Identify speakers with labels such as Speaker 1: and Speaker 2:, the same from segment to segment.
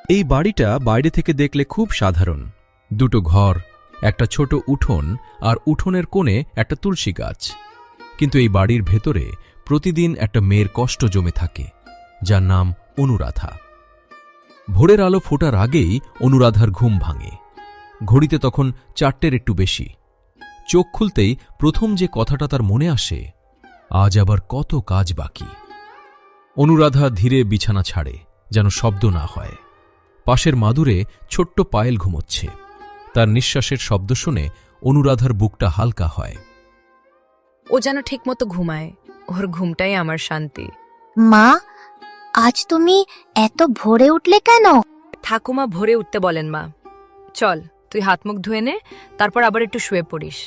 Speaker 1: এই বাড়িটা বাইরে থেকে দেখলে খুব সাধারণ। দুটো ঘর, একটা ছোট উঠোন, আর উঠোনের কোণে একটা তুলসী গাছ। কিন্তু এই বাড়ির ভেতরে প্রতিদিন একটা মেয়ের কষ্ট জমে থাকে, যার নাম অনুরাধা। ভোরের আলো ফোটার আগেই অনুরাধার ঘুম ভাঙে। ঘড়িতে তখন 4টের একটু বেশি। চোখ খুলতেই প্রথম যে কথাটা তার মনে আসে, আজ আবার কত কাজ বাকি। অনুরাধা ধীরে বিছানা ছাড়ে, যেন শব্দ না হয়। পাশের মাদুরে ছোট্ট পায়েল ঘুমোচ্ছে। তার নিঃশ্বাসের শব্দ শুনে অনুরাধার বুকটা হালকা হয়।
Speaker 2: ও যেন ঠিকমতো ঘুমায়, ওর ঘুমটাই আমার শান্তি।
Speaker 3: মা, আজ তুমি এত ভোরে উঠলে কেন?
Speaker 2: ঠাকুমা ভোরে উঠতে বলেন মা। চল, তুই হাত মুখ ধুয়ে নে, তারপর আবার একটু শুয়ে পড়িস।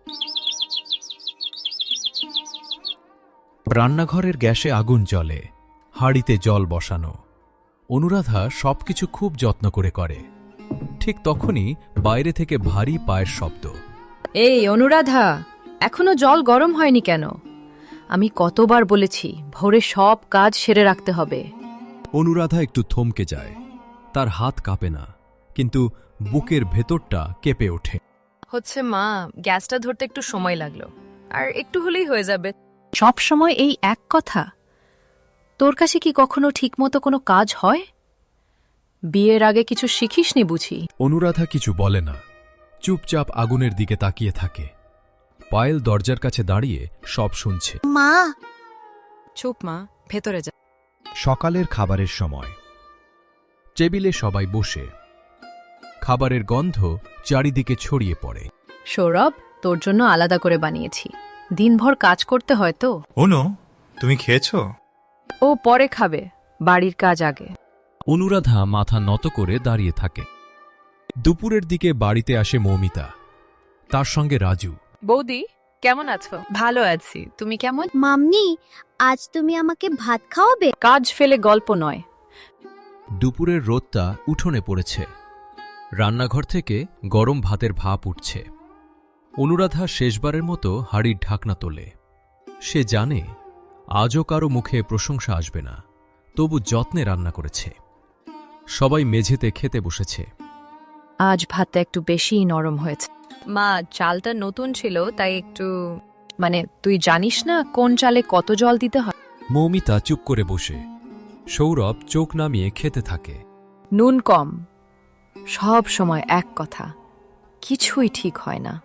Speaker 1: রান্নাঘরের গ্যাসে আগুন জ্বলে, হাঁড়িতে জল বসানো। অনুরাধা সবকিছু খুব যত্ন করে। ঠিক তখনই বাইরে থেকে ভারী পায়ের শব্দ।
Speaker 2: এই অনুরাধা, এখনো জল গরম হয়নি কেন? আমি কতবার বলেছি ভোরে সব কাজ সেরে রাখতে হবে।
Speaker 1: অনুরাধা একটু থমকে যায়। তার হাত কাঁপে না, কিন্তু বুকের ভেতরটা কেঁপে ওঠে।
Speaker 2: হচ্ছে মা, গ্যাসটা ধরতে একটু সময় লাগলো, আর একটু হলেই হয়ে যাবে।
Speaker 4: সব সময় এই এক কথা? তোর কাছে কি কখনো ঠিকমতো কোনো কাজ হয়? বিয়ের আগে কিছু শিখিসনি বুঝি?
Speaker 1: অনুরাধা কিছু বলে না, চুপচাপ আগুনের দিকে তাকিয়ে থাকে। পায়েল দরজার কাছে দাঁড়িয়ে সব শুনছে।
Speaker 3: মা,
Speaker 2: চুপ মা, ভেতরে যা।
Speaker 1: সকালের খাবারের সময়। টেবিলে সবাই বসে। খাবারের গন্ধ চারিদিকে ছড়িয়ে পড়ে।
Speaker 4: সৌরভ, তোর জন্য আলাদা করে বানিয়েছি। দিনভর কাজ করতে হয় তো।
Speaker 5: অনু, তুমি খেয়েছো?
Speaker 4: ও পরে খাবে, বাড়ির কাজ আগে।
Speaker 1: অনুরাধা মাথা নত করে দাঁড়িয়ে থাকে। দুপুরের দিকে বাড়িতে আসে মৌমিতা, তার সঙ্গে রাজু।
Speaker 2: বৌদি, কেমন আছো? ভালো আছি, তুমি কেমন?
Speaker 3: মাম্মি, আজ তুমি আমাকে ভাত খাওয়াবে?
Speaker 4: কাজ ফেলে গল্প নয়।
Speaker 1: দুপুরের রোদটা উঠোনে পড়েছে। রান্নাঘর থেকে গরম ভাতের ভাপ উঠছে। অনুরাধা শেষবারের মতো হাঁড়ির ঢাকনা তোলে। সে জানে আজও কারো মুখে প্রশংসা আসবে না, তবু যত্নে রান্না করেছে। সবাই মেঝেতে খেতে বসেছে।
Speaker 4: আজ ভাতটা একটু বেশিই নরম হয়েছে।
Speaker 2: মা, চালটা নতুন ছিল তাই একটু।
Speaker 4: মানে তুই জানিস না কোন চালে কত জল দিতে হয়?
Speaker 1: মৌমিতা চুপ করে বসে। সৌরভ চোখ নামিয়ে খেতে থাকে।
Speaker 4: নুন কম। সব সময় এক কথা, কিছুই ঠিক হয় না।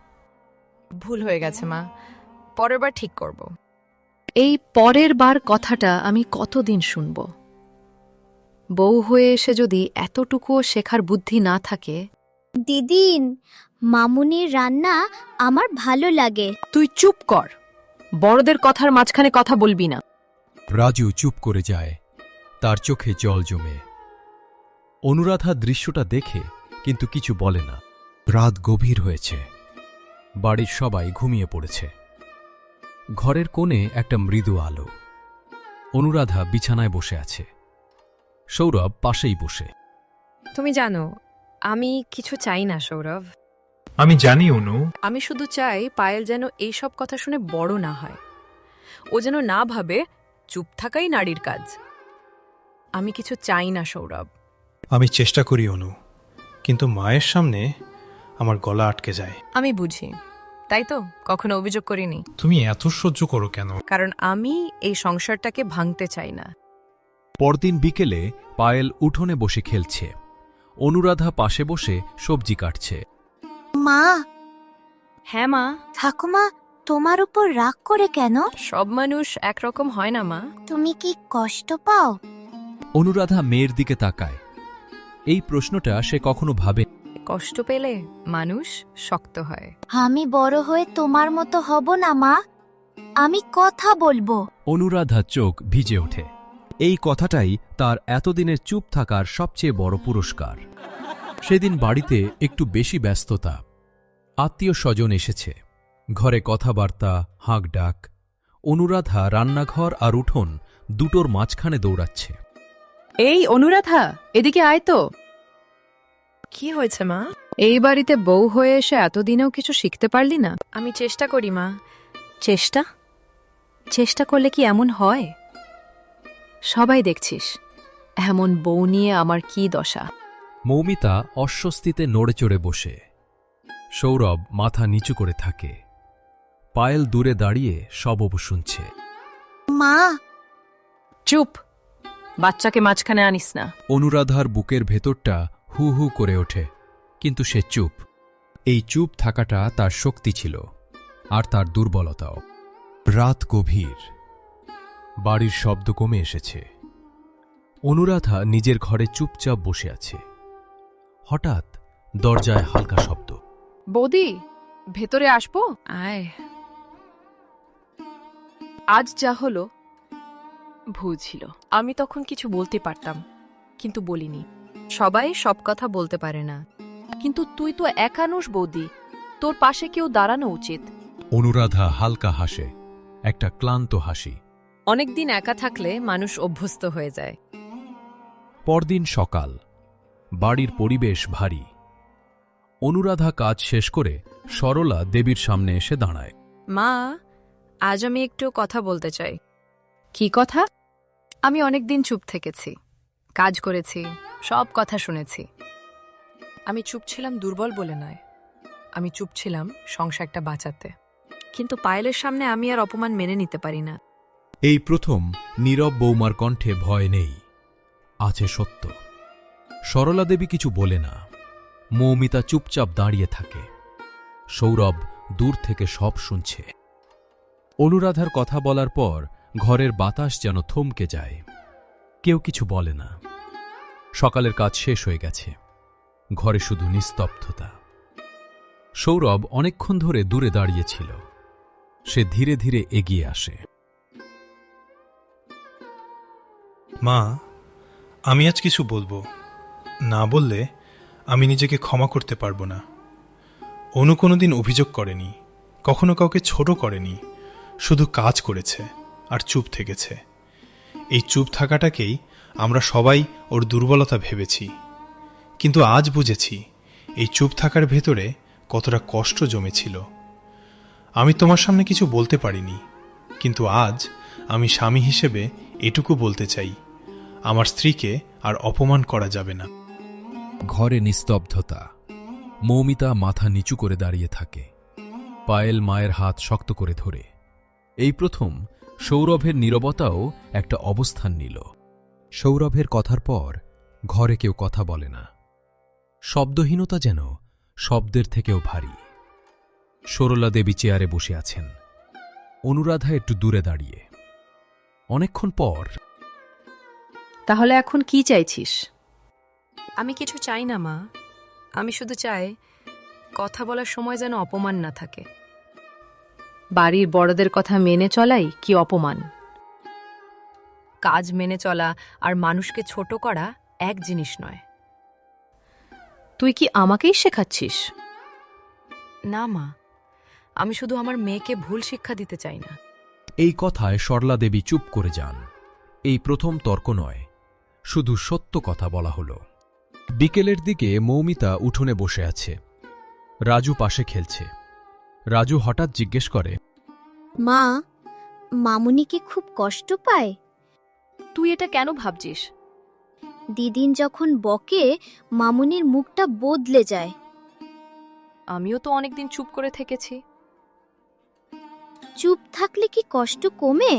Speaker 2: ভুল হয়ে গেছে মা, পরের বার ঠিক করব।
Speaker 4: এই পরের বার কথাটা আমি কতদিন শুনব? বউ হয়ে এসে যদি এতটুকুও শেখার বুদ্ধি না থাকে।
Speaker 3: দিদিন, মামুনির রান্না আমার ভালো লাগে।
Speaker 4: তুই চুপ কর, বড়দের কথার মাঝখানে কথা বলবি না।
Speaker 1: রাজু চুপ করে যায়, তার চোখে জল জমে। অনুরাধা দৃশ্যটা দেখে কিন্তু কিছু বলে না। রাত গভীর হয়েছে, বাড়ির সবাই ঘুমিয়ে পড়েছে। ঘরের কোণে একটা মৃদু আলো। অনুরাধা বিছানায় বসে আছে, সৌরভ পাশেই বসে।
Speaker 2: তুমি জানো, আমি কিছু চাই না সৌরভ।
Speaker 5: আমি জানি অনু।
Speaker 2: আমি শুধু চাই পায়েল যেন এই সব কথা শুনে বড় না হয়। ও যেন না ভাবে চুপ থাকাই নারীর কাজ। আমি কিছু চাই না সৌরভ।
Speaker 5: আমি চেষ্টা করি অনু, কিন্তু মায়ের সামনে আমার গলা আটকে যায়।
Speaker 2: আমি বুঝি, তাই তো কখনো অভিযোগ করিনি।
Speaker 5: তুমি এত সহ্য করো কেন?
Speaker 2: কারণ আমি এই সংসারটাকে ভাঙতে চাই না।
Speaker 1: পরদিন বিকেলে পায়েল উঠোনে বসে খেলছে। অনুরাধা পাশে বসে সবজি কাটছে।
Speaker 3: মা,
Speaker 2: হ্যাঁ মা।
Speaker 3: ঠাকুমা তোমার উপর রাগ করে কেন?
Speaker 2: সব মানুষ একরকম হয় না মা।
Speaker 3: তুমি কি কষ্ট পাও?
Speaker 1: অনুরাধা মেয়ের দিকে তাকায়। এই প্রশ্নটা সে কখনো ভাবে।
Speaker 2: কষ্ট পেলে মানুষ শক্ত হয়।
Speaker 3: আমি বড় হয়ে তোমার মতো হব না মা, আমি কথা বলবো।
Speaker 1: অনুরাধা চোখ ভিজে ওঠে। এই কথাটাই তার এতদিনের চুপ থাকার সবচেয়ে বড় পুরস্কার। সেদিন বাড়িতে একটু বেশি ব্যস্ততা। আত্মীয় স্বজন এসেছে, ঘরে কথাবার্তা, হাঁক ডাক। অনুরাধা রান্নাঘর আর উঠোন দুটোর মাঝখানে দৌড়াচ্ছে।
Speaker 4: এই অনুরাধা, এদিকে আয় তো।
Speaker 2: কি হয়েছে মা?
Speaker 4: এই বাড়িতে বউ হয়ে এসে এতদিনেও কিছু শিখতে পারলি না?
Speaker 2: আমি চেষ্টা করি মা।
Speaker 4: চেষ্টা করলে কি এমন হয়? সবাই দেখছিস, এমন বউ নিয়ে আমার কি দশা।
Speaker 1: মৌমিতা অস্বস্তিতে নড়ে চড়ে বসে। সৌরভ মাথা নিচু করে থাকে। পায়েল দূরে দাঁড়িয়ে সব শুনছে।
Speaker 3: মা,
Speaker 4: চুপ, বাচ্চাকে মাঝখানে আনিস না।
Speaker 1: অনুরাধার বুকের ভেতরটা হু হু করে ওঠে, কিন্তু সে চুপ। এই চুপ থাকাটা তার শক্তি ছিল, আর তার দুর্বলতাও। রাত গভীর, বাড়ির শব্দ কমে এসেছে। অনুরাধা নিজের ঘরে চুপচাপ বসে আছে। হঠাৎ দরজায় হালকা শব্দ।
Speaker 4: বৌদি, ভেতরে আসবো?
Speaker 2: আয়। আজ যা হলো ভুল ছিল। আমি তখন কিছু বলতে পারতাম, কিন্তু বলিনি। সবাই সব কথা বলতে পারে না।
Speaker 4: কিন্তু তুই তো একানুষ বৌদি, তোর পাশে কেউ দাঁড়ানো উচিত।
Speaker 1: অনুরাধা হালকা হাসে, একটা ক্লান্ত হাসি।
Speaker 2: অনেকদিন একা থাকলে মানুষ অভ্যস্ত হয়ে যায়।
Speaker 1: পরদিন সকাল, বাড়ির পরিবেশ ভারী। অনুরাধা কাজ শেষ করে সরলা দেবীর সামনে এসে দাঁড়ায়।
Speaker 2: মা, আজ আমি একটু কথা বলতে চাই।
Speaker 4: কি কথা?
Speaker 2: আমি অনেকদিন চুপ থেকেছি, কাজ করেছি, সব কথা শুনেছি। আমি চুপ ছিলাম দুর্বল বলে নয়, আমি চুপ ছিলাম সংসারটা বাঁচাতে। কিন্তু পায়েলের সামনে আমি আর অপমান মেনে নিতে পারি না।
Speaker 1: এই প্রথম নীরব বৌমার কণ্ঠে ভয় নেই, আছে সত্য। সরলা দেবী কিছু বলে না। মৌমিতা চুপচাপ দাঁড়িয়ে থাকে। সৌরভ দূর থেকে সব শুনছে। অনুরাধার কথা বলার পর ঘরের বাতাস যেন থমকে যায়। কেউ কিছু বলে না। সকালের কাজ শেষ হয়ে গেছে, ঘরে শুধু নিস্তব্ধতা। সৌরভ অনেকক্ষণ ধরে দূরে দাঁড়িয়েছিল। সে ধীরে ধীরে এগিয়ে আসে।
Speaker 5: মা, আমি আজ কিছু বলবো। না বললে আমি নিজেকে ক্ষমা করতে পারবো না। অনু কোনোদিন অভিযোগ করেনি, কখনো কাউকে ছোট করেনি, শুধু কাজ করেছে আর চুপ থেকেছে। এই চুপ থাকাটাকেই আমরা সবাই ওর দুর্বলতা ভেবেছি, কিন্তু আজ বুঝেছি এই চুপ থাকার ভেতরে কতটা কষ্ট জমেছিল। আমি তোমার সামনে কিছু বলতে পারিনি, কিন্তু আজ আমি স্বামী হিসেবে এটুকু বলতে চাই, আমার স্ত্রীকে আর অপমান করা যাবে না।
Speaker 1: ঘরে নিস্তব্ধতা। মৌমিতা মাথা নিচু করে দাঁড়িয়ে থাকে। পায়েল মায়ের হাত শক্ত করে ধরে। এই প্রথম সৌরভের নীরবতাও একটা অবস্থান নিল। সৌরভের কথার পর ঘরে কেউ কথা বলে না। শব্দহীনতা যেন শব্দের থেকেও ভারী। সরলা দেবী চেয়ারে বসে আছেন। অনুরাধা একটু দূরে দাঁড়িয়ে। অনেকক্ষণ পর,
Speaker 4: তাহলে এখন কি চাইছিস?
Speaker 2: আমি কিছু চাই না মা, আমি শুধু চাই কথা বলার সময় যেন অপমান না থাকে।
Speaker 4: বাড়ির বড়দের কথা মেনে চলাই কি অপমান?
Speaker 2: কাজ মেনে চলা আর মানুষকে ছোট করা এক জিনিস নয়।
Speaker 4: তুই কি আমাকেই শেখাচ্ছিস?
Speaker 2: না মা, আমি শুধু আমার মেয়েকে ভুল শিক্ষা দিতে চাই না।
Speaker 1: এই কথায় সরলা দেবী চুপ করে যান। এই প্রথম তর্ক নয়, শুধু সত্য কথা বলা হল। বিকেলের দিকে মৌমিতা উঠোনে বসে আছে। রাজু পাশে খেলছে। রাজু হঠাৎ জিজ্ঞেস করে,
Speaker 3: মা, মামুনি কি খুব কষ্ট পায়?
Speaker 4: তুই এটা কেন ভাবছিস?
Speaker 3: দিদিন যখন বকে মামুনির মুখটা বদলে যায়।
Speaker 2: আমিও তো অনেকদিন চুপ করে থেকেছি।
Speaker 3: চুপ থাকলে কি কষ্ট কমে?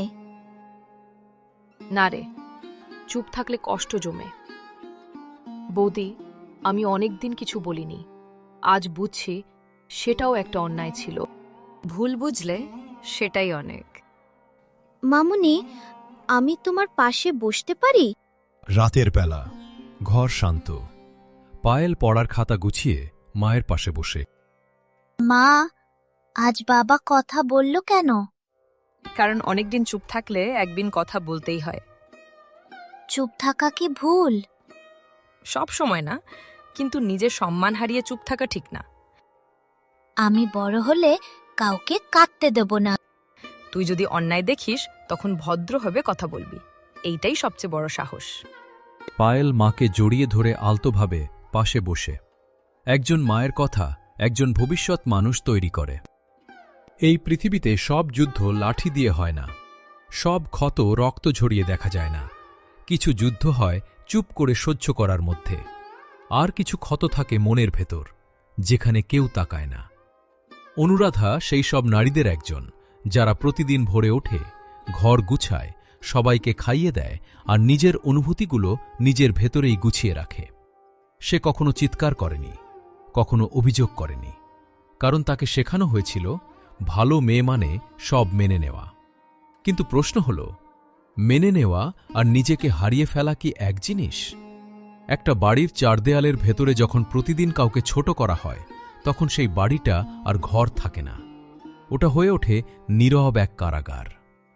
Speaker 2: না রে, চুপ থাকলে কষ্ট জমে। বৌদি, আমি অনেকদিন কিছু বলিনি। আজ বুঝছি সেটাও একটা অন্যায় ছিল। ভুল বুঝলে সেটাই অনেক।
Speaker 3: মামুনি, আমি তোমার পাশে বসতে পারি?
Speaker 1: রাতের বেলা, ঘর শান্ত। পায়েল পড়ার খাতা গুছিয়ে মায়ের পাশে বসে।
Speaker 3: মা, আজ বাবা কথা বলল কেন?
Speaker 2: কারণ অনেকদিন চুপ থাকলে একদিন কথা বলতেই হয়।
Speaker 3: চুপ থাকা কি ভুল?
Speaker 2: সব সময় না, কিন্তু নিজের সম্মান হারিয়ে চুপ থাকা ঠিক না।
Speaker 3: আমি বড় হলে কাউকে কাঁদতে দেব না।
Speaker 2: তুই যদি অন্যায় দেখিস তখন ভদ্রভাবে কথা বলবি, এইটাই সবচেয়ে বড় সাহস।
Speaker 1: পায়েল মাকে জড়িয়ে ধরে আলতোভাবে পাশে বসে। একজন মায়ের কথা একজন ভবিষ্যৎ মানুষ তৈরি করে। এই পৃথিবীতে সব যুদ্ধ লাঠি দিয়ে হয় না, সব ক্ষত রক্ত ঝরিয়ে দেখা যায় না, কিছু যুদ্ধ হয় চুপ করে সহ্য করার মধ্যে, আর কিছু ক্ষত থাকে মনের ভেতর, যেখানে কেউ তাকায় না। অনুরাধা সেই সব নারীদের একজন, যারা প্রতিদিন ভোরে ওঠে, ঘর গুছায়, সবাইকে খাইয়ে দেয় আর নিজের অনুভূতিগুলো নিজের ভেতরেই গুছিয়ে রাখে। সে কখনো চিৎকার করেনি, কখনো অভিযোগ করেনি, কারণ তাকে শেখানো হয়েছিল ভালো মেয়ে মানে সব মেনে নেওয়া। কিন্তু প্রশ্ন হল, মেনে নেওয়া আর নিজেকে হারিয়ে ফেলা কি এক জিনিস? একটা বাড়ির চার দেয়ালের ভেতরে যখন প্রতিদিন কাউকে ছোট করা হয়, তখন সেই বাড়িটা আর ঘর থাকে না, ওটা হয়ে ওঠে নীরব এক কারাগার।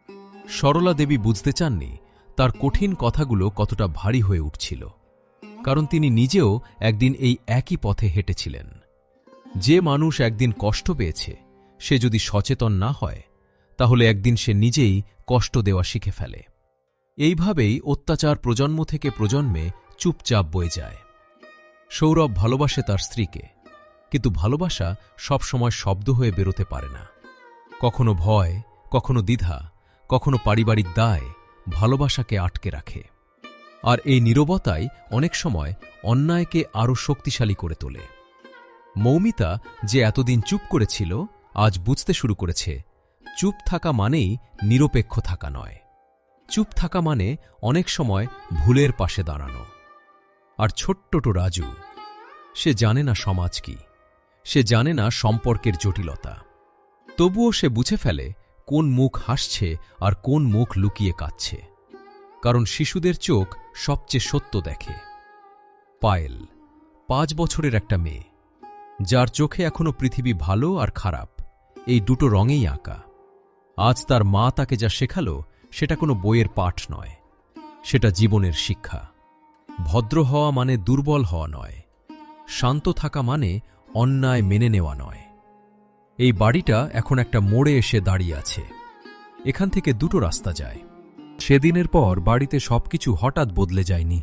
Speaker 1: সরলা দেবী বুঝতে চাননি তার কঠিন কথাগুলো কতটা ভারী হয়ে উঠছিল, কারণ তিনি নিজেও একদিন এই একই পথে হেঁটেছিলেন। যে মানুষ একদিন কষ্ট পেয়েছে, সে যদি সচেতন না হয়, তাহলে একদিন সে নিজেই কষ্ট দেওয়া শিখে ফেলে। এইভাবেই অত্যাচার প্রজন্ম থেকে প্রজন্মে চুপচাপ বয়ে যায়। সৌরভ ভালোবাসে তার স্ত্রীকে, কিন্তু ভালোবাসা সবসময় শব্দ হয়ে বেরোতে পারে না। কখনো ভয়, কখনো দ্বিধা, কখনো পারিবারিক দায় ভালোবাসাকে আটকে রাখে। আর এই নীরবতাই অনেক সময় অন্যায়কে আরও শক্তিশালী করে তোলে। মৌমিতা, যে এতদিন চুপ করেছিল, আজ বুঝতে শুরু করেছে চুপ থাকা মানেই নিরপেক্ষ থাকা নয়। চুপ থাকা মানে অনেক সময় ভুলের পাশে দাঁড়ানো। আর ছোট্টটো রাজু, সে জানে না সমাজ কি, সে জানে না সম্পর্কের জটিলতা। তবুও সে বুঝে ফেলে কোন মুখ হাসছে আর কোন মুখ লুকিয়ে কাঁদছে, কারণ শিশুদের চোখ সবচেয়ে সত্য দেখে। পায়েল 5 বছরের একটা মেয়ে, যার চোখে এখনো পৃথিবী ভালো আর খারাপ এই দুটো রঙেই আঁকা। আজ তার মা তাকে যা শেখালো, সেটা কোনো বইয়ের পাঠ নয়, সেটা জীবনের শিক্ষা। ভদ্র হওয়া মানে দুর্বল হওয়া নয়, শান্ত থাকা মানে অন্যায় মেনে নেওয়া নয়। এই বাড়িটা এখন একটা মোড়ে এসে দাঁড়িয়ে আছে। এখান থেকে দুটো রাস্তা যায়। সেদিনের পর বাড়িতে সবকিছু হঠাৎ বদলে যায়নি।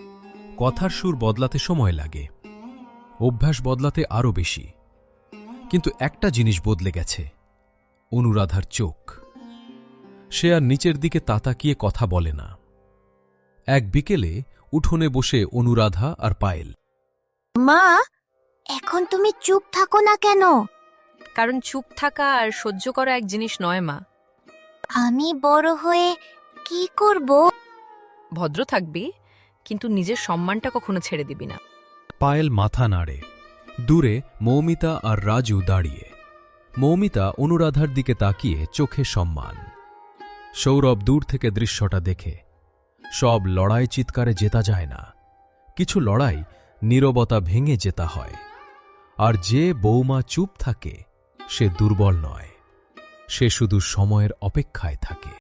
Speaker 1: কথার সুর বদলাতে সময় লাগে, অভ্যাস বদলাতে আরও বেশি। কিন্তু একটা জিনিস বদলে গেছে, অনুরাধার চোখ। সে আর নিচের দিকে তাকিয়ে কথা বলে না। এক বিকেলে উঠোনে বসে অনুরাধা আর পায়েল।
Speaker 3: মা, এখন তুমি চুপ থাকো না কেন?
Speaker 2: কারণ চুপ থাকা আর সহ্য করা এক জিনিস নয় মা।
Speaker 3: আমি বড় হয়ে কি করব?
Speaker 2: ভদ্র থাকবি, কিন্তু নিজের সম্মানটা কখনো ছেড়ে দিবি না।
Speaker 1: পায়েল মাথা নাড়ে। দূরে মৌমিতা আর রাজু দাঁড়িয়ে। মৌমিতা অনুরাধার দিকে তাকিয়ে চোখে সম্মান। সৌরভ দূর থেকে দৃশ্যটা দেখে। সব লড়াই চিৎকারে জেতা যায় না, কিছু লড়াই নীরবতা ভেঙে জেতা হয়। আর যে বৌমা চুপ থাকে, সে দুর্বল নয়, সে শুধু সময়ের অপেক্ষায় থাকে।